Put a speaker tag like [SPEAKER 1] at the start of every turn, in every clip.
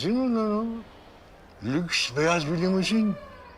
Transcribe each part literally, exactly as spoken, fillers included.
[SPEAKER 1] limuzin mi lan o? Lüks beyaz bir limuzin.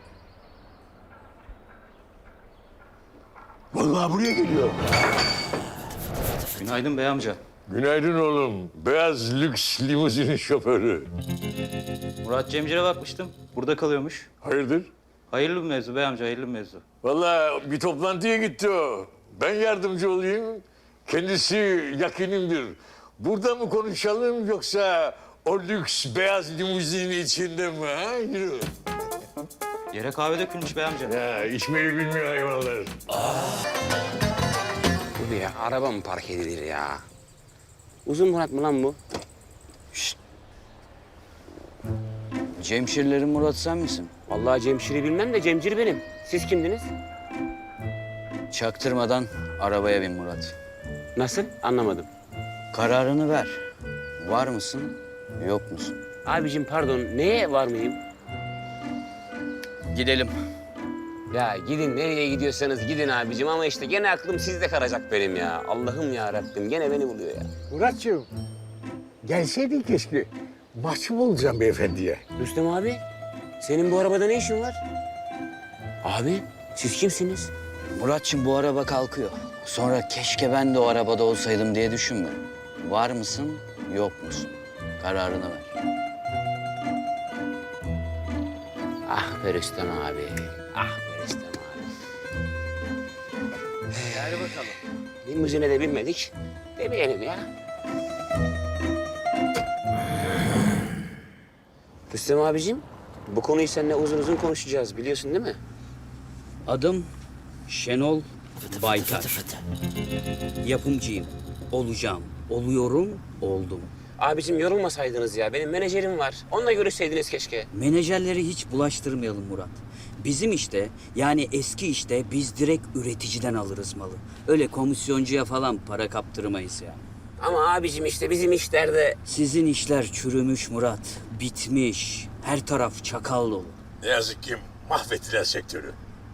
[SPEAKER 1] Vallahi buraya geliyor.
[SPEAKER 2] Günaydın bey amca.
[SPEAKER 1] Günaydın oğlum. Beyaz lüks limuzinin şoförü.
[SPEAKER 2] Murat Cemcir'e bakmıştım. Burada kalıyormuş.
[SPEAKER 1] Hayırdır?
[SPEAKER 2] Hayırlı bir mevzu bey amca, hayırlı bir mevzu.
[SPEAKER 1] Vallahi bir toplantıya gitti o. Ben yardımcı olayım. Kendisi yakinimdir. Burada mı konuşalım yoksa o lüks beyaz limuzinin içinde mi? Ha? Yürü.
[SPEAKER 2] Yere kahve dökülmüş bey amca.
[SPEAKER 1] Ya içmeyi bilmiyor hayvanlar.
[SPEAKER 3] Bu ya araba mı park edilir ya? Uzun Murat mı lan bu?
[SPEAKER 2] Cemşirlerin Murat sen misin?
[SPEAKER 3] Vallahi Cemşir'i bilmem de Cemcir benim. Siz kimdiniz?
[SPEAKER 2] Çaktırmadan arabaya bin Murat.
[SPEAKER 3] Nasıl? Anlamadım.
[SPEAKER 2] Kararını ver. Var mısın, yok musun?
[SPEAKER 3] Abicim pardon, neye var mıyım?
[SPEAKER 2] Gidelim.
[SPEAKER 3] Ya gidin nereye gidiyorsanız gidin abicim ama işte gene aklım sizde kalacak benim ya. Allah'ım ya Rabbim gene beni buluyor ya.
[SPEAKER 1] Muratcığım, gelseydin keşke. Mahcup olacağım beyefendiye.
[SPEAKER 3] Rüstem abi, senin bu arabada ne işin var? Abi, siz kimsiniz?
[SPEAKER 2] Muratçım bu araba kalkıyor. Sonra keşke ben de o arabada olsaydım diye düşünme. Var mısın, yok musun? Kararını ver.
[SPEAKER 3] Ah be Rüstem abi, ah be Rüstem abi. Hadi bakalım. Limuzine de binmedik, demeyelim ya. Rüstem abicim, bu konuyu seninle uzun uzun konuşacağız biliyorsun değil mi?
[SPEAKER 4] Adım Şenol Baytar. Yapımcıyım. Olacağım. Oluyorum, oldum.
[SPEAKER 3] Abicim yorulmasaydınız ya, benim menajerim var. Onunla görüşseydiniz keşke.
[SPEAKER 4] Menajerleri hiç bulaştırmayalım Murat. Bizim işte, yani eski işte biz direkt üreticiden alırız malı. Öyle komisyoncuya falan para kaptırmayız yani.
[SPEAKER 3] Ama abicim işte bizim işlerde...
[SPEAKER 4] Sizin işler çürümüş Murat. Bitmiş. Her taraf çakal dolu.
[SPEAKER 1] Ne yazık ki mahvettiler sektörü.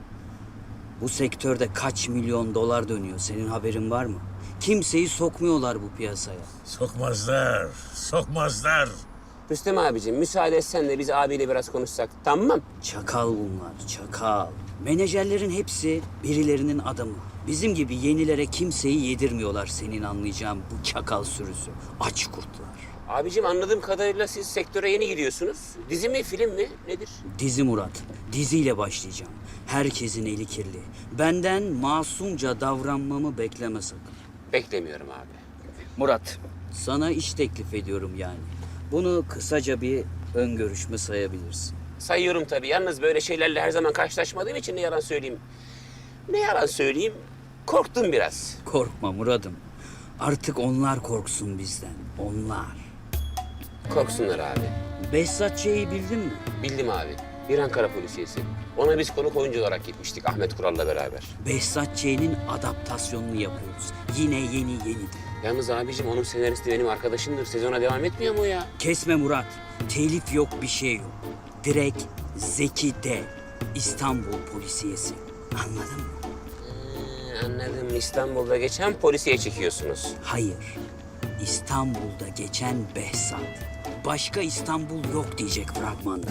[SPEAKER 4] Bu sektörde kaç milyon dolar dönüyor, senin haberin var mı? Kimseyi sokmuyorlar bu piyasaya.
[SPEAKER 1] Sokmazlar, sokmazlar.
[SPEAKER 3] Rüstem abicim müsaade etsen de biz abiyle biraz konuşsak, tamam?
[SPEAKER 4] Çakal bunlar, çakal. Menajerlerin hepsi birilerinin adamı. Bizim gibi yenilere kimseyi yedirmiyorlar senin anlayacağın bu çakal sürüsü. Aç kurtlar.
[SPEAKER 3] Abicim anladığım kadarıyla siz sektöre yeni giriyorsunuz. Dizi mi, film mi, nedir?
[SPEAKER 4] Dizi Murat, diziyle başlayacağım. Herkesin eli kirli. Benden masumca davranmamı bekleme sakın.
[SPEAKER 3] Beklemiyorum abi.
[SPEAKER 4] Murat, sana iş teklif ediyorum yani. Bunu kısaca bir ön görüşme sayabilirsin.
[SPEAKER 3] Sayıyorum tabii. Yalnız böyle şeylerle her zaman karşılaşmadığım için ne yalan söyleyeyim. Ne yalan söyleyeyim, korktum biraz.
[SPEAKER 4] Korkma Murat'ım. Artık onlar korksun bizden, onlar.
[SPEAKER 3] Korksunlar abi.
[SPEAKER 4] Behzat Ç'yi bildin mi?
[SPEAKER 3] Bildim abi. Bir Ankara polisiyesi. Ona biz konuk oyuncu olarak gitmiştik Ahmet Kural'la beraber.
[SPEAKER 4] Behzat Ç'nin adaptasyonunu yapıyoruz. Yine yeni yeni.
[SPEAKER 3] Yalnız abicim onun senaristi benim arkadaşımdır. Sezona devam etmiyor mu ya?
[SPEAKER 4] Kesme Murat. Telif yok, bir şey yok. Direkt Zeki D. İstanbul polisiyesi. Anladın mı?
[SPEAKER 3] Ee, anladım. İstanbul'da geçen polisiye çekiyorsunuz.
[SPEAKER 4] Hayır. İstanbul'da geçen Behzat. Başka İstanbul yok diyecek fragmanda.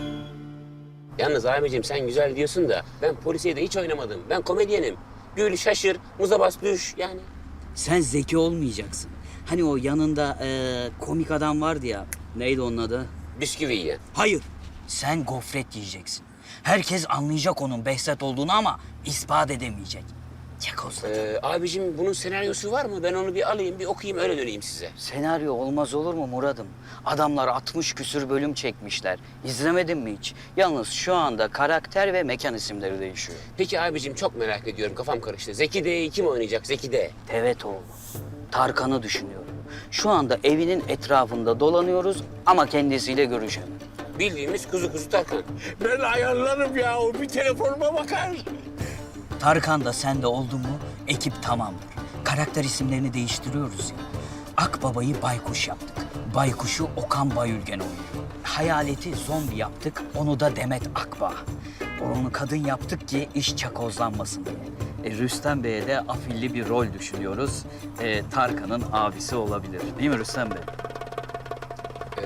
[SPEAKER 3] Yalnız abicim sen güzel diyorsun da ben polisiye de hiç oynamadım. Ben komedyenim. Gül, şaşır, muza bas, düş yani.
[SPEAKER 4] Sen zeki olmayacaksın. Hani o yanında eee, komik adam vardı ya. Neydi onun adı?
[SPEAKER 3] Bisküvi yiyen.
[SPEAKER 4] Hayır. Sen gofret yiyeceksin. Herkes anlayacak onun Behzat olduğunu ama ispat edemeyecek. Çakozladı.
[SPEAKER 3] Ee, abicim bunun senaryosu var mı? Ben onu bir alayım, bir okuyayım, öyle döneyim size.
[SPEAKER 4] Senaryo olmaz olur mu Murat'ım? Adamlar altmış küsür bölüm çekmişler. İzlemedin mi hiç? Yalnız şu anda karakter ve mekan isimleri değişiyor.
[SPEAKER 3] Peki abicim çok merak ediyorum, kafam karıştı. Zeki D'yi kim oynayacak, Zeki D?
[SPEAKER 4] Evet oğlum. Tarkan'ı düşünüyorum. Şu anda evinin etrafında dolanıyoruz ama kendisiyle görüşemedim.
[SPEAKER 3] Bildiğimiz kuzu kuzu Tarkan.
[SPEAKER 1] Ben ayarlarım ya, o bir telefonuma bakar.
[SPEAKER 4] Tarkan da sen de oldun mu ekip tamamdır. Karakter isimlerini değiştiriyoruz ya. Akbaba'yı Baykuş yaptık. Baykuş'u Okan Bayülgen oynuyor. Hayaleti zombi yaptık, onu da Demet Akbağ. Onu kadın yaptık ki iş çakozlanmasın diye. E, Rüstem Bey'e de afilli bir rol düşünüyoruz. E, Tarkan'ın abisi olabilir. Değil mi Rüstem Bey?
[SPEAKER 3] Ee,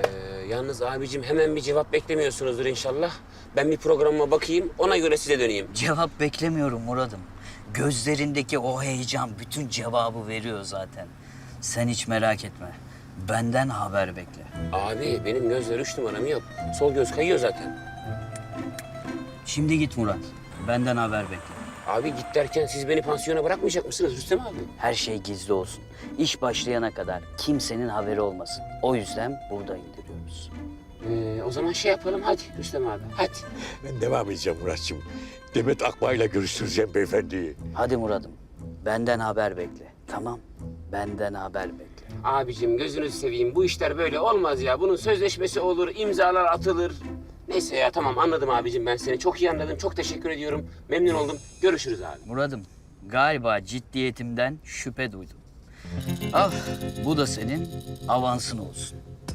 [SPEAKER 3] Yalnız abicim hemen bir cevap beklemiyorsunuzdur inşallah. Ben bir programıma bakayım, ona göre size döneyim.
[SPEAKER 4] Cevap beklemiyorum Murat'ım. Gözlerindeki o heyecan bütün cevabı veriyor zaten. Sen hiç merak etme. Benden haber bekle.
[SPEAKER 3] Abi benim gözler üç numaram yok. Sol göz kayıyor zaten.
[SPEAKER 4] Şimdi git Murat. Benden haber bekle.
[SPEAKER 3] Abi git derken siz beni pansiyona bırakmayacak mısınız Rüstem abi?
[SPEAKER 4] Her şey gizli olsun. İş başlayana kadar kimsenin haberi olmasın. O yüzden burada indiriyoruz.
[SPEAKER 3] Ee, o zaman şey yapalım hadi Rüstem abi, hadi.
[SPEAKER 1] Ben devam edeceğim Muratçım. Demet Akbağ'la görüştüreceğim beyefendiyi.
[SPEAKER 4] Hadi Murat'ım. Benden haber bekle. Tamam. Benden haber bekle.
[SPEAKER 3] Abicim gözünüzü seveyim, bu işler böyle olmaz ya. Bunun sözleşmesi olur, imzalar atılır. Neyse ya tamam anladım abicim, ben seni çok iyi anladım. Çok teşekkür ediyorum, memnun oldum. Görüşürüz abi.
[SPEAKER 4] Murat'ım, galiba ciddiyetimden şüphe duydum. Al, bu da senin avansın olsun.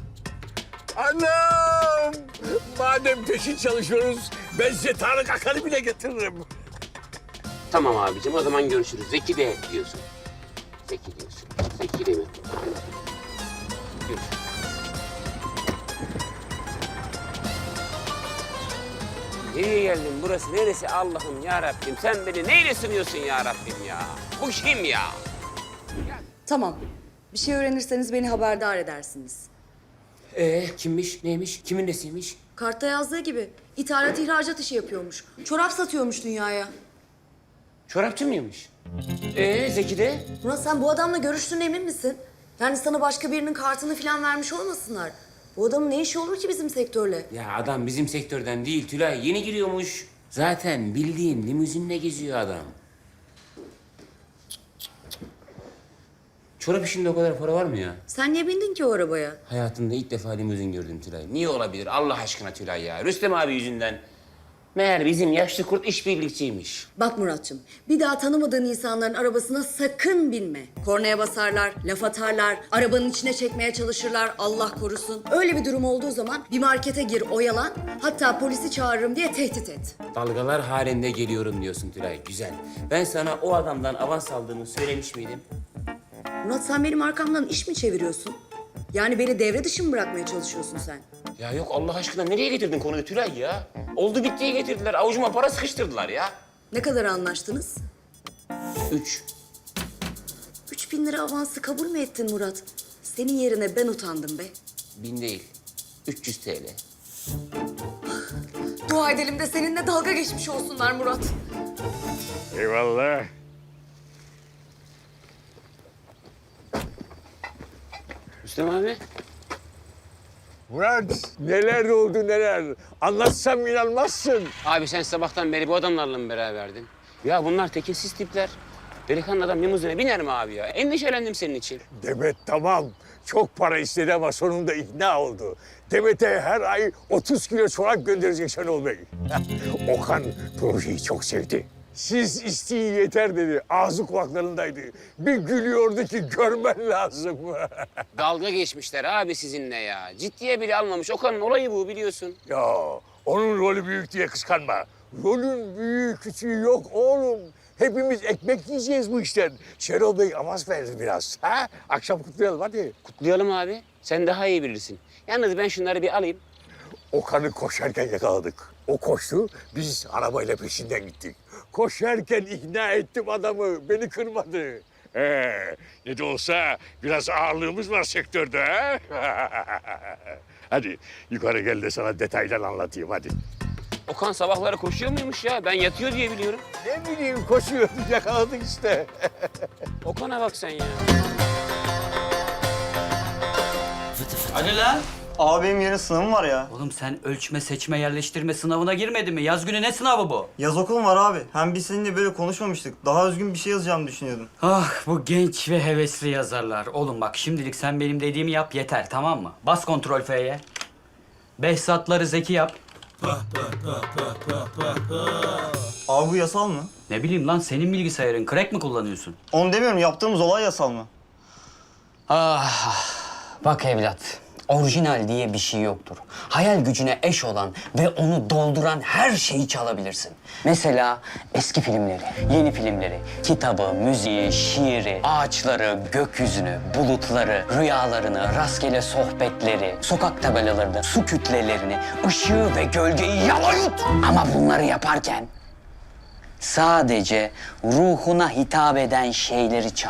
[SPEAKER 1] Anam! Madem peşin çalışıyoruz, ben size Tarık Akan'ı bile getiririm.
[SPEAKER 3] Tamam abicim, o zaman görüşürüz. Zeki de diyorsun. Zeki diyorsun. Zeki değil mi? Görüşürüz. Nereye geldim? Burası neresi Allah'ım ya Rabbim? Sen beni neyle sınıyorsun ya Rabbim ya? Bu kim ya?
[SPEAKER 5] Tamam. Bir şey öğrenirseniz beni haberdar edersiniz.
[SPEAKER 3] Ee kimmiş, neymiş, kimin nesiymiş?
[SPEAKER 5] Kartta yazdığı gibi ithalat ihracat işi yapıyormuş. Çorap satıyormuş dünyaya.
[SPEAKER 3] Çorapçı mıymış? Ee Zeki de?
[SPEAKER 5] Murat sen bu adamla görüştüğüne emin misin? Yani sana başka birinin kartını falan vermiş olmasınlar. Bu adamın ne işi olur ki bizim sektörle?
[SPEAKER 3] Ya adam bizim sektörden değil Tülay, yeni giriyormuş. Zaten bildiğin limuzinle geziyor adam. Çorap işinde o kadar para var mı ya?
[SPEAKER 5] Sen niye bindin ki o arabaya?
[SPEAKER 3] Hayatımda ilk defa limuzin gördüm Tülay. Niye olabilir Allah aşkına Tülay ya? Rüstem abi yüzünden. Meğer bizim yaşlı kurt işbirlikçiymiş.
[SPEAKER 5] Bak Muratçım, bir daha tanımadığın insanların arabasına sakın binme. Kornaya basarlar, laf atarlar, arabanın içine çekmeye çalışırlar, Allah korusun. Öyle bir durum olduğu zaman bir markete gir, oyalan, hatta polisi çağırırım diye tehdit et.
[SPEAKER 3] Dalgalar halinde geliyorum diyorsun Tülay. Güzel. Ben sana o adamdan avans aldığımı söylemiş miydim?
[SPEAKER 5] Murat sen benim arkamdan iş mi çeviriyorsun? Yani beni devre dışı mı bırakmaya çalışıyorsun sen?
[SPEAKER 3] Ya yok Allah aşkına nereye getirdin konuyu Tülay ya? Oldu bittiye getirdiler. Avucuma para sıkıştırdılar ya.
[SPEAKER 5] Ne kadar anlaştınız?
[SPEAKER 3] Üç.
[SPEAKER 5] Üç bin lira avansı kabul mü ettin Murat? Senin yerine ben utandım be.
[SPEAKER 3] Bin değil. Üç yüz TL.
[SPEAKER 5] Dua edelim de seninle dalga geçmiş olsunlar Murat.
[SPEAKER 1] Eyvallah.
[SPEAKER 3] Rüstem abi.
[SPEAKER 1] Murat, neler oldu neler. Anlatsam inanmazsın.
[SPEAKER 3] Abi sen sabahtan beri bu adamlarla mı beraberdin? Ya bunlar tekinsiz tipler. Delikanlı adam limuzine biner mi abi ya? Endişelendim senin için.
[SPEAKER 1] Demet tamam. Çok para istedi ama sonunda ikna oldu. Demet'e her ay otuz kilo çorap gönderecek Şenol Bey. Okan projeyi çok sevdi. Siz isteyin yeter dedi. Ağzı kulaklarındaydı. Bir gülüyordu ki görmen lazım.
[SPEAKER 3] Dalga geçmişler abi sizinle ya. Ciddiye bile almamış. Okan'ın olayı bu biliyorsun.
[SPEAKER 1] Ya onun rolü büyük diye kıskanma. Rolün büyüğü küçüğü yok oğlum. Hepimiz ekmek yiyeceğiz bu işten. Şenol Bey avans verdi biraz. Ha? Akşam kutlayalım hadi.
[SPEAKER 3] Kutlayalım abi. Sen daha iyi bilirsin. Yalnız ben şunları bir alayım.
[SPEAKER 1] Okan'ı koşarken yakaladık. O koştu, biz arabayla peşinden gittik. Koşarken ikna ettim adamı, beni kırmadı. Ee, ne de olsa biraz ağırlığımız var sektörde. Ha? Hadi yukarı gel de sana detaylar anlatayım hadi.
[SPEAKER 3] Okan sabahları koşuyor muymuş ya? Ben yatıyor diye biliyorum.
[SPEAKER 1] Ne bileyim koşuyordu, yakaladık işte.
[SPEAKER 3] Okan'a bak sen ya.
[SPEAKER 4] Hadi lan.
[SPEAKER 6] Abi benim yarın sınavım var ya.
[SPEAKER 4] Oğlum sen ölçme, seçme, yerleştirme sınavına girmedin mi? Yaz günü ne sınavı bu?
[SPEAKER 6] Yaz okulum var abi. Hem biz seninle böyle konuşmamıştık. Daha özgün bir şey yazacağımı düşünüyordum.
[SPEAKER 4] Ah bu genç ve hevesli yazarlar. Oğlum bak şimdilik sen benim dediğimi yap yeter tamam mı? Bas kontrol F'ye. Behzatları Zeki yap.
[SPEAKER 6] Abi bu yasal mı?
[SPEAKER 4] Ne bileyim lan senin bilgisayarın crack mi kullanıyorsun?
[SPEAKER 6] Onu demiyorum. Yaptığımız olay yasal mı?
[SPEAKER 2] Ah, bak evlat. Orijinal diye bir şey yoktur. Hayal gücüne eş olan ve onu dolduran her şeyi çalabilirsin. Mesela eski filmleri, yeni filmleri, kitabı, müziği, şiiri, ağaçları, gökyüzünü, bulutları, rüyalarını, rastgele sohbetleri, sokak tabelalarını, su kütlelerini, ışığı ve gölgeyi yalayut. Ama bunları yaparken sadece ruhuna hitap eden şeyleri çal.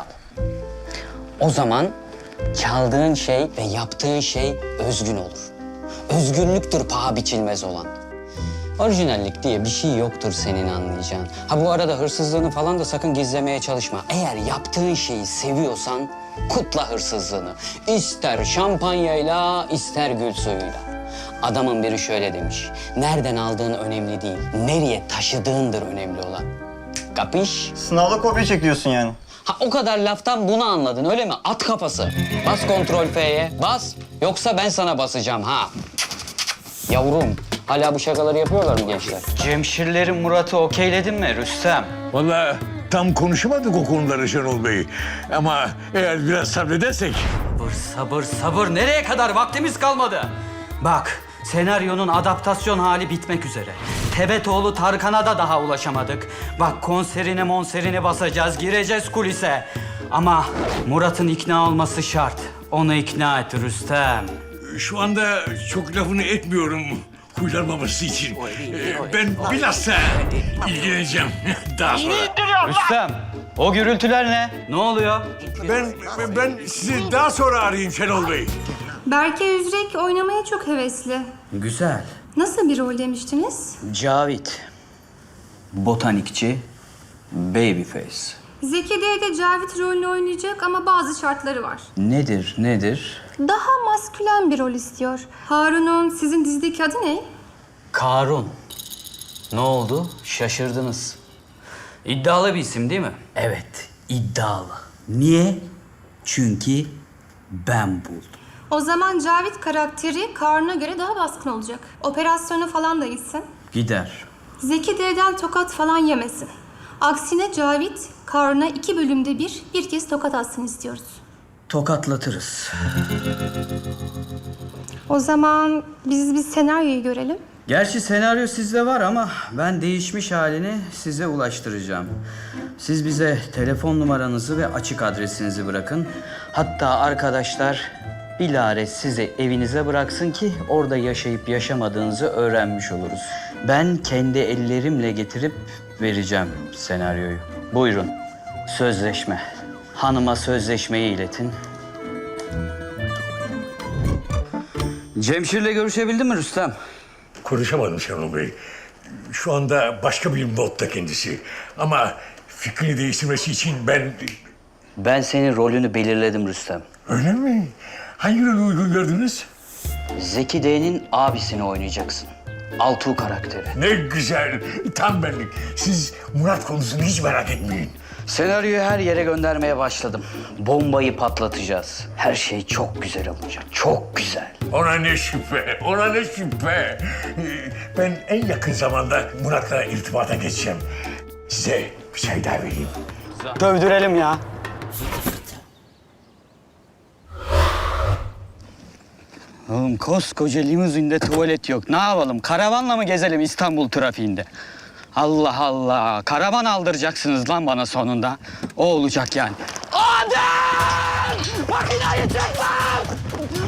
[SPEAKER 2] O zaman çaldığın şey ve yaptığın şey özgün olur. Özgünlüktür paha biçilmez olan. Orijinallik diye bir şey yoktur senin anlayacağın. Ha bu arada hırsızlığını falan da sakın gizlemeye çalışma. Eğer yaptığın şeyi seviyorsan kutla hırsızlığını. İster şampanyayla, ister gül suyuyla. Adamın biri şöyle demiş. Nereden aldığın önemli değil, nereye taşıdığındır önemli olan. Kapış?
[SPEAKER 6] Sınavda kopya çekiyorsun yani.
[SPEAKER 2] Ha o kadar laftan bunu anladın öyle mi? At kafası. Bas kontrol F'ye. Bas. Yoksa ben sana basacağım ha. Yavrum. Hala bu şakaları yapıyorlar mı gençler?
[SPEAKER 4] Cemşirlerin Murat'ı okeyledin mi Rüstem?
[SPEAKER 1] Vallahi tam konuşamadık o konuları Şenol Bey. Ama eğer biraz sabredersek...
[SPEAKER 4] Sabır, sabır, sabır. Nereye kadar? Vaktimiz kalmadı. Bak, senaryonun adaptasyon hali bitmek üzere. Tebetoğlu Tarkan'a da daha ulaşamadık. Bak konserini monserini basacağız, gireceğiz kulise. Ama Murat'ın ikna olması şart. Onu ikna et Rüstem.
[SPEAKER 1] Şu anda çok lafını etmiyorum huylanmaması için. Ee, Ben bilhassa ilgileneceğim daha sonra.
[SPEAKER 4] Rüstem, o gürültüler ne? Ne oluyor?
[SPEAKER 1] Ben ben sizi daha sonra arayayım Şenol Bey.
[SPEAKER 7] Berke Üzrek oynamaya çok hevesli.
[SPEAKER 4] Güzel.
[SPEAKER 7] Nasıl bir rol demiştiniz?
[SPEAKER 4] Cavit. Botanikçi. Babyface.
[SPEAKER 7] Zeki D'de de Cavit rolünü oynayacak ama bazı şartları var.
[SPEAKER 4] Nedir, nedir?
[SPEAKER 7] Daha maskülen bir rol istiyor. Harun'un sizin dizideki adı ne?
[SPEAKER 4] Karun. Ne oldu? Şaşırdınız. İddialı bir isim değil mi? Evet, iddialı. Niye? Çünkü ben buldum.
[SPEAKER 7] O zaman Cavit karakteri Karun'a göre daha baskın olacak. Operasyona falan da gitsin.
[SPEAKER 4] Gider.
[SPEAKER 7] Zeki D'den tokat falan yemesin. Aksine Cavit, Karun'a iki bölümde bir, bir kez tokat atsın istiyoruz.
[SPEAKER 4] Tokatlatırız.
[SPEAKER 7] O zaman biz bir senaryoyu görelim.
[SPEAKER 4] Gerçi senaryo sizde var ama ben değişmiş halini size ulaştıracağım. Siz bize telefon numaranızı ve açık adresinizi bırakın. Hatta arkadaşlar bilare sizi evinize bıraksın ki orada yaşayıp yaşamadığınızı öğrenmiş oluruz. Ben kendi ellerimle getirip vereceğim senaryoyu. Buyurun. Sözleşme. Hanıma sözleşmeyi iletin. Cemşir'le görüşebildin mi Rüstem?
[SPEAKER 1] Konuşamadım Şenol Bey. Şu anda başka bir modda kendisi. Ama fikrini değiştirmesi için ben...
[SPEAKER 2] Ben senin rolünü belirledim Rüstem.
[SPEAKER 1] Öyle mi? Hangi rolü uygun gördünüz?
[SPEAKER 2] Zeki D'nin abisini oynayacaksın. Altuğ karakteri.
[SPEAKER 1] Ne güzel, tam benlik. Siz Murat konusunu hiç merak etmeyin.
[SPEAKER 2] Senaryoyu her yere göndermeye başladım. Bombayı patlatacağız. Her şey çok güzel olacak. Çok güzel.
[SPEAKER 1] Ona ne şüphe, ona ne şüphe. Ee, Ben en yakın zamanda Murat'la irtibata geçeceğim. Size bir çay daha vereyim.
[SPEAKER 2] Dövdürelim ya. Oğlum koskoca limuzinde tuvalet yok. Ne yapalım? Karavanla mı gezelim İstanbul trafiğinde? Allah Allah. Karavan aldıracaksınız lan bana sonunda. O olacak yani. Adem! Makinayı çek lan!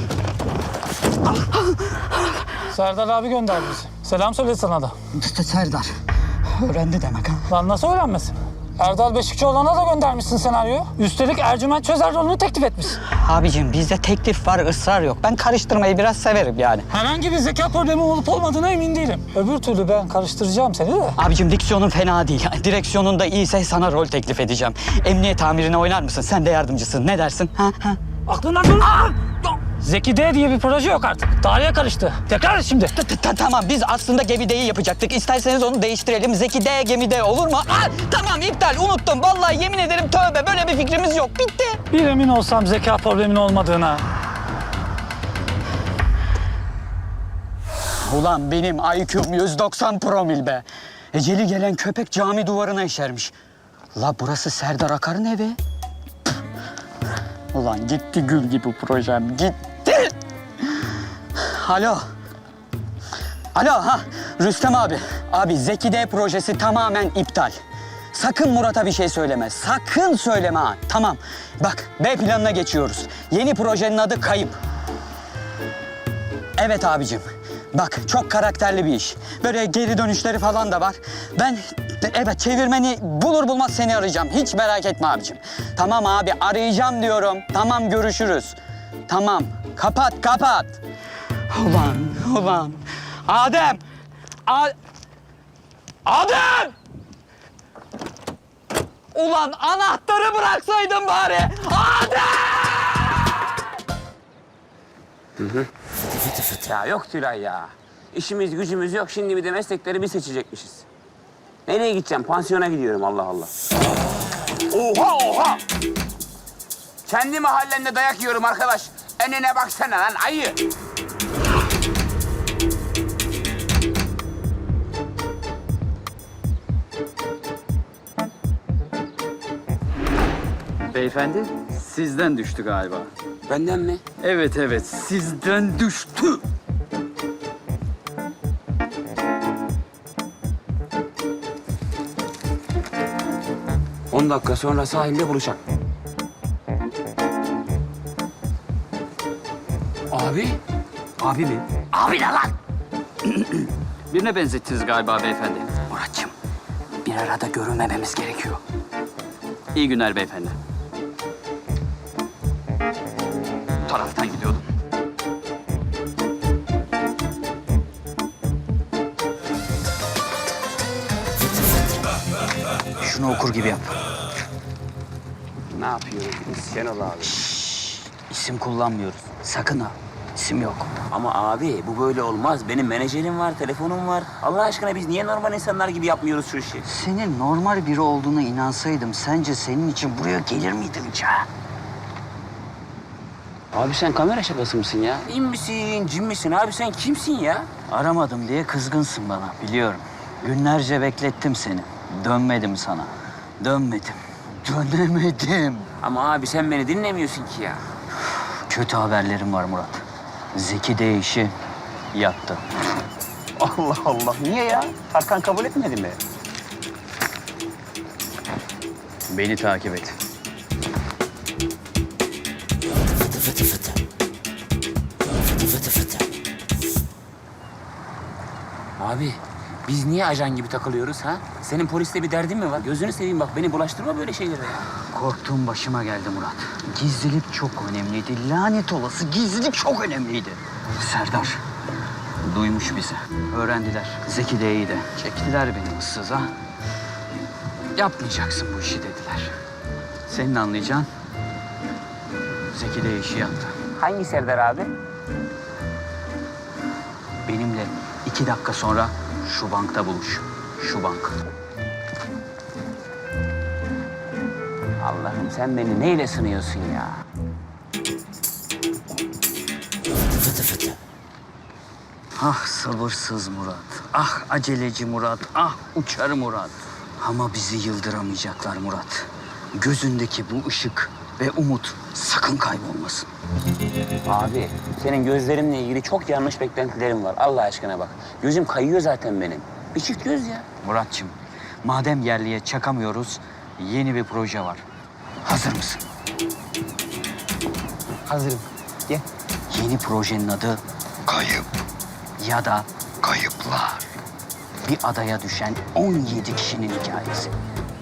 [SPEAKER 8] Serdar abi gönderdi bizi. Selam söyledi sana da.
[SPEAKER 2] Serdar. Öğrendi demek ha.
[SPEAKER 8] Lan nasıl öğrenmesin? Erdal Beşikçioğlu'na da göndermişsin senaryoyu. Üstelik Ercüment Çözer rolünü teklif etmişsin.
[SPEAKER 2] Abicim bizde teklif var, ısrar yok. Ben karıştırmayı biraz severim yani.
[SPEAKER 8] Herhangi bir zeka problemi olup olmadığına emin değilim. Öbür türlü ben karıştıracağım seni de.
[SPEAKER 2] Abicim diksiyonun fena değil. Direksiyonun da iyiyse sana rol teklif edeceğim. Emniyet amirine oynar mısın? Sen de yardımcısın. Ne dersin? Ha, ha.
[SPEAKER 8] Aklından dur. Zeki D diye bir proje yok artık. Tarihe karıştı. Tekrar et şimdi.
[SPEAKER 2] Ta- ta- ta- Tamam biz aslında Gemi D'yi yapacaktık. İsterseniz onu değiştirelim. Zeki D, Gemi D olur mu? Aa, tamam iptal unuttum. Vallahi yemin ederim tövbe böyle bir fikrimiz yok. Bitti.
[SPEAKER 8] Bir emin olsam zeka problemin olmadığına.
[SPEAKER 2] Ulan benim I Q'm yüz doksan promil be. Eceli gelen köpek cami duvarına işermiş. La burası Serdar Akar'ın evi. Ulan gitti gül gibi projem, gitti. Alo. Alo ha Rüstem abi. Abi Zeki D projesi tamamen iptal. Sakın Murat'a bir şey söyleme. Sakın söyleme ha. Tamam. Bak B planına geçiyoruz. Yeni projenin adı Kayıp. Evet abicim. Bak çok karakterli bir iş. Böyle geri dönüşleri falan da var. Ben evet çevirmeni bulur bulmaz seni arayacağım. Hiç merak etme abicim. Tamam abi arayacağım diyorum. Tamam görüşürüz. Tamam. Kapat kapat. Ulan ulan. Adem. A Adem. Ulan anahtarı bıraksaydın bari. Adem.
[SPEAKER 3] Ya yok Tülay ya. İşimiz gücümüz yok. Şimdi bir de meslekleri bir seçecekmişiz. Nereye gideceğim? Pansiyona gidiyorum Allah Allah. Oha oha! Kendi mahallemde dayak yiyorum arkadaş. Önüne baksana lan ayı.
[SPEAKER 2] Beyefendi sizden düştü galiba.
[SPEAKER 3] Benden mi?
[SPEAKER 2] Evet evet sizden düştü.
[SPEAKER 3] On dakika sonra sahilde buluşalım. Abi?
[SPEAKER 2] Abi mi?
[SPEAKER 3] Abi ne lan?
[SPEAKER 2] Birine benzettiniz galiba beyefendi. Muratçım bir arada görünmememiz gerekiyor. İyi günler beyefendi. Bu taraftan gidiyordum. Şunu okur gibi yap.
[SPEAKER 3] Ne yapıyoruz biz Şenol abi?
[SPEAKER 2] İsim kullanmıyoruz. Sakın ha. İsim yok.
[SPEAKER 3] Ama abi bu böyle olmaz. Benim menajerim var, telefonum var. Allah aşkına biz niye normal insanlar gibi yapmıyoruz şu işi?
[SPEAKER 2] Senin normal biri olduğuna inansaydım sence senin için buraya gelir miydim hiç ha?
[SPEAKER 3] Abi sen kamera şakası mısın ya? İn misin, cin misin? Abi sen kimsin ya?
[SPEAKER 2] Aramadım diye kızgınsın bana biliyorum. Günlerce beklettim seni. Dönmedim sana. Dönmedim. Dönemedim.
[SPEAKER 3] Ama abi sen beni dinlemiyorsun ki ya.
[SPEAKER 2] Kötü haberlerim var Murat. Zeki de işi yattı.
[SPEAKER 3] Allah Allah. Niye ya? Tarkan kabul etmedi mi?
[SPEAKER 2] Beni takip et.
[SPEAKER 3] Abi biz niye ajan gibi takılıyoruz ha? Senin poliste bir derdin mi var? Gözünü seveyim bak beni bulaştırma böyle şeylere ya.
[SPEAKER 2] Korktuğum başıma geldi Murat. Gizlilik çok önemliydi. Lanet olası gizlilik çok önemliydi. Serdar duymuş bizi. Öğrendiler. Zeki de iyi de. Çektiler beni ıssıza. Yapmayacaksın bu işi dediler. Senin anlayacağın Zeki de işi yaptı.
[SPEAKER 3] Hangi Serdar abi?
[SPEAKER 2] Benimle iki dakika sonra şu bankta buluş. Şu bank.
[SPEAKER 3] Allah'ım sen beni neyle sınıyorsun ya?
[SPEAKER 2] Ah sabırsız Murat. Ah aceleci Murat. Ah uçar Murat. Ama bizi yıldıramayacaklar Murat. Gözündeki bu ışık ve umut sakın kaybolmasın.
[SPEAKER 3] Abi senin gözlerimle ilgili çok yanlış beklentilerim var. Allah aşkına bak. Gözüm kayıyor zaten benim. Bir çift göz ya.
[SPEAKER 2] Muratçım, madem yerliye çakamıyoruz, yeni bir proje var. Hazır mısın?
[SPEAKER 3] Hazırım. Gel.
[SPEAKER 2] Yeni projenin adı Kayıp ya da Kayıplar. Bir adaya düşen on yedi kişinin hikayesi.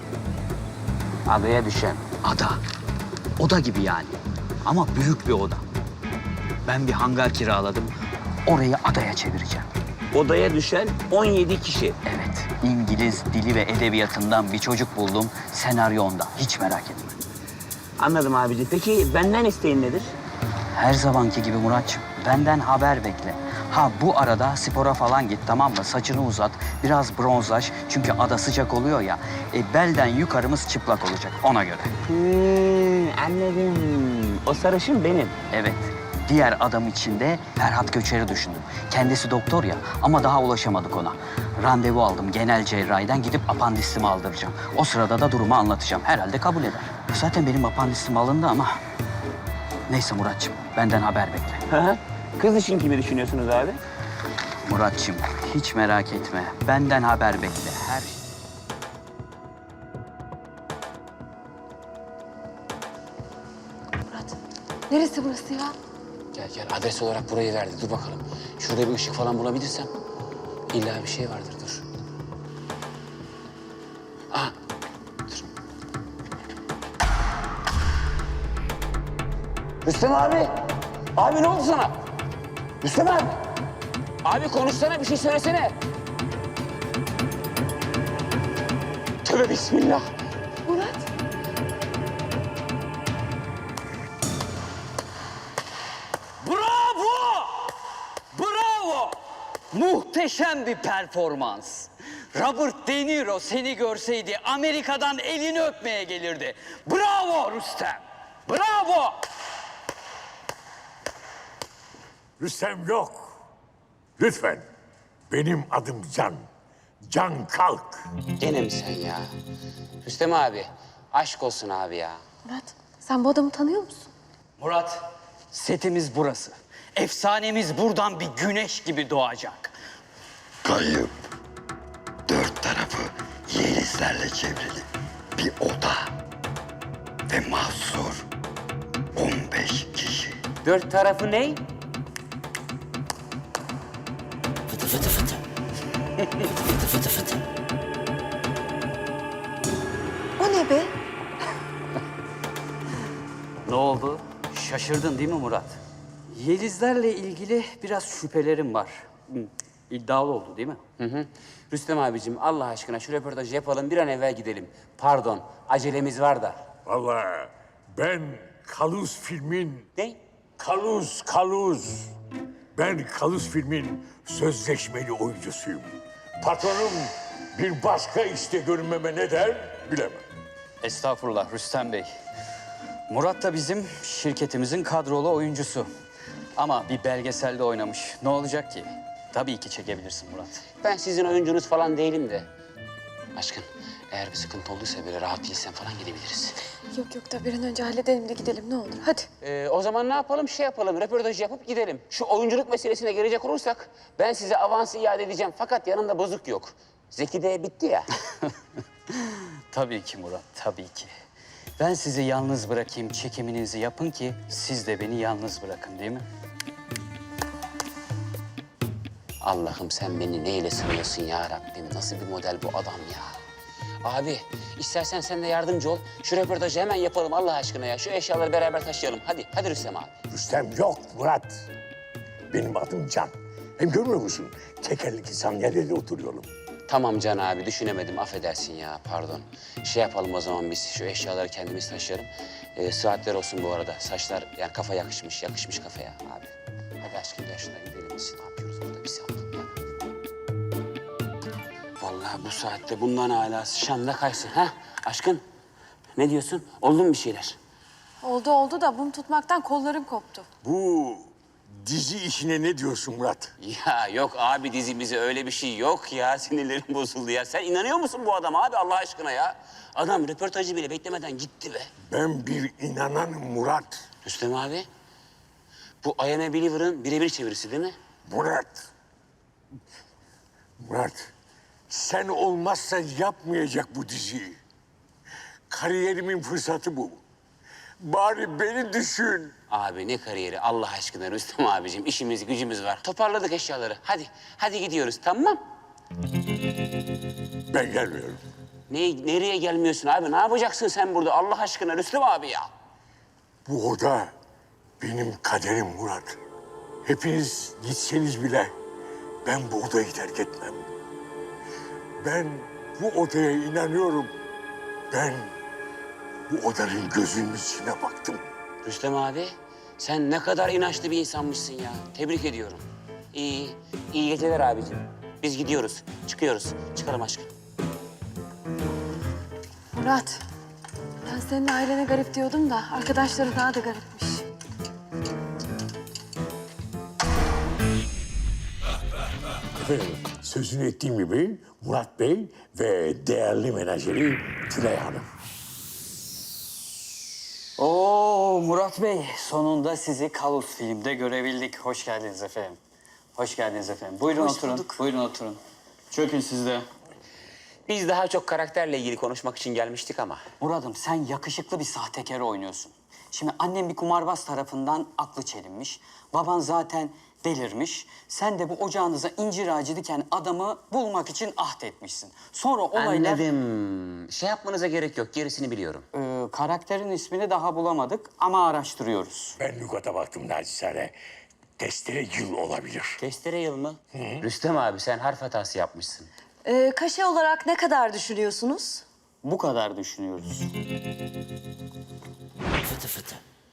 [SPEAKER 3] Adaya düşen.
[SPEAKER 2] Ada. Oda gibi yani. Ama büyük bir oda. Ben bir hangar kiraladım. Orayı adaya çevireceğim.
[SPEAKER 3] Odaya düşen on yedi kişi.
[SPEAKER 2] Evet. İngiliz dili ve edebiyatından bir çocuk buldum. Senaryo onda. Hiç merak etme.
[SPEAKER 3] Anladım abiciğim. Peki benden isteğin nedir?
[SPEAKER 2] Her zamanki gibi Muratçım. Benden haber bekle. Ha bu arada spora falan git tamam mı? Saçını uzat, biraz bronzlaş. Çünkü ada sıcak oluyor ya. E, belden yukarımız çıplak olacak ona göre.
[SPEAKER 3] Hmm, anladım. O sarışın benim.
[SPEAKER 2] Evet. Diğer adam için de Ferhat Göçer'i düşündüm. Kendisi doktor ya ama daha ulaşamadık ona. Randevu aldım genel cerrahiden gidip apandisimi aldıracağım. O sırada da durumu anlatacağım. Herhalde kabul eder. Zaten benim apandisim alındı ama... Neyse Muratçım benden haber bekle.
[SPEAKER 3] Hı hı. Kız için kimi düşünüyorsunuz abi?
[SPEAKER 2] Muratçım, hiç merak etme. Benden haber bekle. Her şey.
[SPEAKER 9] Murat, neresi burası ya?
[SPEAKER 3] Gel gel adres olarak burayı verdi. Dur bakalım. Şurada bir ışık falan bulabilirsem. İlla bir şey vardır dur. Aha dur. Rüstem abi. Abi ne oldu sana? Rüstem abi. Abi konuşsana bir şey söylesene. Tövbe bismillah.
[SPEAKER 9] Murat.
[SPEAKER 2] Bravo! Bravo! Muhteşem bir performans. Robert De Niro seni görseydi Amerika'dan elini öpmeye gelirdi. Bravo Rüstem! Bravo!
[SPEAKER 1] Rüstem yok. Lütfen. Benim adım Can. Can Kalk.
[SPEAKER 3] Gene mi sen ya? Rüstem abi. Aşk olsun abi ya.
[SPEAKER 9] Murat, sen bu adamı tanıyor musun?
[SPEAKER 2] Murat, setimiz burası. Efsanemiz buradan bir güneş gibi doğacak.
[SPEAKER 10] Kayıp. Dört tarafı yelizlerle çevrili bir oda. Ve mahsur on beş kişi.
[SPEAKER 3] Dört tarafı ne?
[SPEAKER 10] Fıtı fıtı fıtı. Fıtı fıtı fıtı.
[SPEAKER 9] O ne be?
[SPEAKER 2] Ne oldu? Şaşırdın değil mi Murat? Yelizlerle ilgili biraz şüphelerim var. Hı, İddialı oldu değil mi?
[SPEAKER 3] Hı hı. Rüstem abicim Allah aşkına şu röportajı yapalım bir an evvel gidelim. Pardon acelemiz var da.
[SPEAKER 1] Vallahi ben Kaluz filmin...
[SPEAKER 3] Ne?
[SPEAKER 1] Kaluz, Kaluz. Ben Kaluz filmin sözleşmeli oyuncusuyum. Patronum bir başka işte görünmeme ne der bilemem.
[SPEAKER 2] Estağfurullah Rüstem Bey. Murat da bizim şirketimizin kadrolu oyuncusu. Ama bir belgeselde oynamış. Ne olacak ki? Tabii ki çekebilirsin Murat.
[SPEAKER 3] Ben sizin oyuncunuz falan değilim de. Aşkın eğer bir sıkıntı olduysa böyle rahat değilsen falan gidebiliriz.
[SPEAKER 9] Yok yok da bir an önce halledelim de gidelim ne olur. Hadi.
[SPEAKER 3] Ee, o zaman ne yapalım? Şey yapalım, röportajı yapıp gidelim. Şu oyunculuk meselesine gelecek olursak ben size avansı iade edeceğim. Fakat yanında bozuk yok. Zeki de bitti ya.
[SPEAKER 2] Tabii ki Murat, tabii ki. Ben sizi yalnız bırakayım, çekiminizi yapın ki siz de beni yalnız bırakın değil mi?
[SPEAKER 3] Allah'ım sen beni neyle sınıyorsun ya Rabbim? Nasıl bir model bu adam ya? Abi istersen sen de yardımcı ol. Şu röportajı hemen yapalım Allah aşkına ya. Şu eşyaları beraber taşıyalım. Hadi, hadi Rüstem abi.
[SPEAKER 1] Rüstem yok Murat. Benim adım Can. Hem görmüyor musun? Tekerlekli sandalyede oturuyorum.
[SPEAKER 3] Tamam Can abi düşünemedim affedersin ya pardon. Şey yapalım o zaman biz şu eşyaları kendimiz taşıyalım. Ee, saatler olsun bu arada. Saçlar yani kafa yakışmış, yakışmış kafaya abi. Hadi aşkım gel şuna gidelim biz. Ne yapıyoruz burada bir saat ya? Vallahi bu saatte bundan hala şanda kaysın ha aşkın. Ne diyorsun? Oldu mu bir şeyler?
[SPEAKER 9] Oldu oldu da bunu tutmaktan kollarım koptu.
[SPEAKER 1] Bu dizi işine ne diyorsun Murat?
[SPEAKER 3] Ya yok abi dizimize öyle bir şey yok ya. Sinirlerim bozuldu ya. Sen inanıyor musun bu adama abi Allah aşkına ya? Adam röportajı bile beklemeden gitti be.
[SPEAKER 1] Ben bir inananım Murat.
[SPEAKER 3] Rüstem abi, bu I Am a Believer'ın birebir çevirisi değil mi?
[SPEAKER 1] Murat. Murat. Sen olmazsan yapmayacak bu diziyi. Kariyerimin fırsatı bu. Bari beni düşün.
[SPEAKER 3] Abi ne kariyeri Allah aşkına Rüstem abicim. İşimiz gücümüz var. Toparladık eşyaları. Hadi, hadi gidiyoruz tamam.
[SPEAKER 1] Ben gelmiyorum.
[SPEAKER 3] Ne, nereye gelmiyorsun abi? Ne yapacaksın sen burada Allah aşkına Rüstem abi ya?
[SPEAKER 1] Bu oda benim kaderim Murat. Hepiniz gitseniz bile ben bu odayı terk etmem. Ben bu odaya inanıyorum. Ben bu odanın gözünün içine baktım.
[SPEAKER 3] Rüstem abi, sen ne kadar inançlı bir insanmışsın ya. Tebrik ediyorum. İyi, iyi geceler abicim. Biz gidiyoruz, çıkıyoruz. Çıkalım aşkım.
[SPEAKER 9] Murat, ben senin ailene garip diyordum da arkadaşları daha da garipmiş.
[SPEAKER 1] Efendim, sözünü ettiğim gibi Murat Bey ve değerli menajeri Tülay Hanım.
[SPEAKER 2] Oo Oo Murat Bey, sonunda sizi Kalus filmde görebildik. Hoş geldiniz efendim. Hoş geldiniz efendim. Buyurun
[SPEAKER 3] Hoş
[SPEAKER 2] oturun.
[SPEAKER 3] bulduk.
[SPEAKER 2] Buyurun oturun. Çökün siz de.
[SPEAKER 3] Biz daha çok karakterle ilgili konuşmak için gelmiştik ama.
[SPEAKER 2] Murat'ım sen yakışıklı bir sahtekar oynuyorsun. Şimdi annem bir kumarbaz tarafından aklı çelinmiş. Baban zaten delirmiş. Sen de bu ocağınıza incir ağacı diken adamı bulmak için ahd etmişsin. Sonra olaylar...
[SPEAKER 3] Anladım. Şey yapmanıza gerek yok. Gerisini biliyorum.
[SPEAKER 2] Ee, karakterin ismini daha bulamadık ama araştırıyoruz.
[SPEAKER 1] Ben lügata baktım naçizane. Testere yıl olabilir.
[SPEAKER 3] Testere yıl mı? Rüstem abi sen harf hatası yapmışsın.
[SPEAKER 5] Ee, kaşe olarak ne kadar düşünüyorsunuz?
[SPEAKER 2] Bu kadar düşünüyoruz.
[SPEAKER 10] Fıtı fıtı.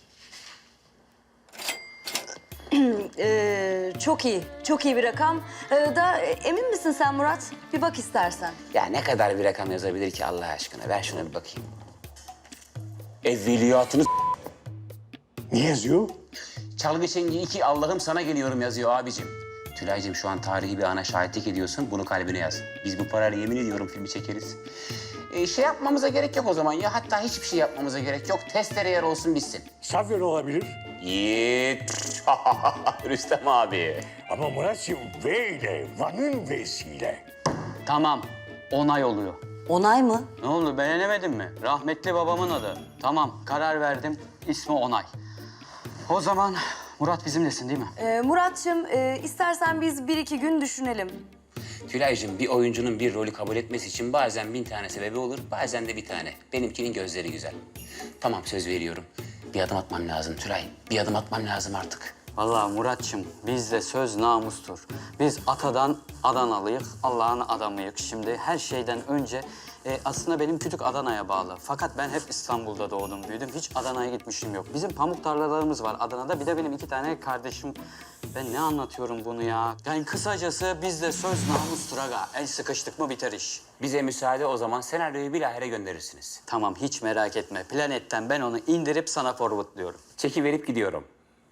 [SPEAKER 5] Ee, çok iyi, çok iyi bir rakam. Ee, da emin misin sen Murat? Bir bak istersen.
[SPEAKER 3] Ya ne kadar bir rakam yazabilir ki Allah aşkına? Ver şuna bir bakayım. Evveliyatını
[SPEAKER 1] Ne yazıyor?
[SPEAKER 3] Çalgı Çengi iki Allah'ım sana geliyorum yazıyor abicim. Tülay'cığım şu an tarihi bir ana şahitlik ediyorsun. Bunu kalbine yaz. Biz bu parayla yemin ediyorum filmi çekeriz. Ee, şey yapmamıza gerek yok o zaman ya. Hatta hiçbir şey yapmamıza gerek yok. Testere yer olsun bitsin.
[SPEAKER 1] Safyan olabilir.
[SPEAKER 3] Yiğit. Rüstem abi.
[SPEAKER 1] Ama Murat'cığım V ile, Van'ın V'siyle.
[SPEAKER 2] Tamam, onay oluyor.
[SPEAKER 5] Onay mı?
[SPEAKER 2] Ne oldu, beğenemedin mi? Rahmetli babamın adı. Tamam, karar verdim. İsmi Onay. O zaman Murat bizimlesin değil mi?
[SPEAKER 5] Ee, Murat'cığım e, istersen biz bir iki gün düşünelim.
[SPEAKER 3] Tülay'cığım bir oyuncunun bir rolü kabul etmesi için bazen bin tane sebebi olur, bazen de bir tane. Benimkinin gözleri güzel. Tamam söz veriyorum. Bir adım atmam lazım Tülay. Bir adım atmam lazım artık.
[SPEAKER 2] Vallahi Muratçım, bizde söz namustur. Biz atadan Adanalıyık, Allah'ın adamıyık. Şimdi her şeyden önce e, aslında benim kütük Adana'ya bağlı. Fakat ben hep İstanbul'da doğdum, büyüdüm. Hiç Adana'ya gitmişim yok. Bizim pamuk tarlalarımız var Adana'da. Bir de benim iki tane kardeşim. Ben ne anlatıyorum bunu ya? Yani kısacası bizde söz namustur aga. El sıkıştık mı biter iş.
[SPEAKER 3] Bize müsaade o zaman senaryoyu bilahare gönderirsiniz.
[SPEAKER 2] Tamam, hiç merak etme. Planetten ben onu indirip sana forwardlıyorum.
[SPEAKER 3] Çeki verip gidiyorum.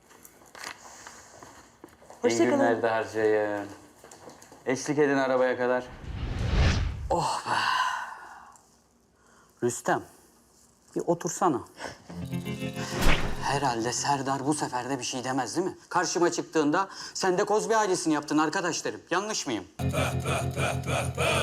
[SPEAKER 2] İyi günler de harcayın. Eşlik edin arabaya kadar. Oh be. Rüstem, bir otursana. Herhalde Serdar bu sefer de bir şey demez değil mi? Karşıma çıktığında sen de Kozbi ailesini yaptın arkadaşlarım. Yanlış mıyım?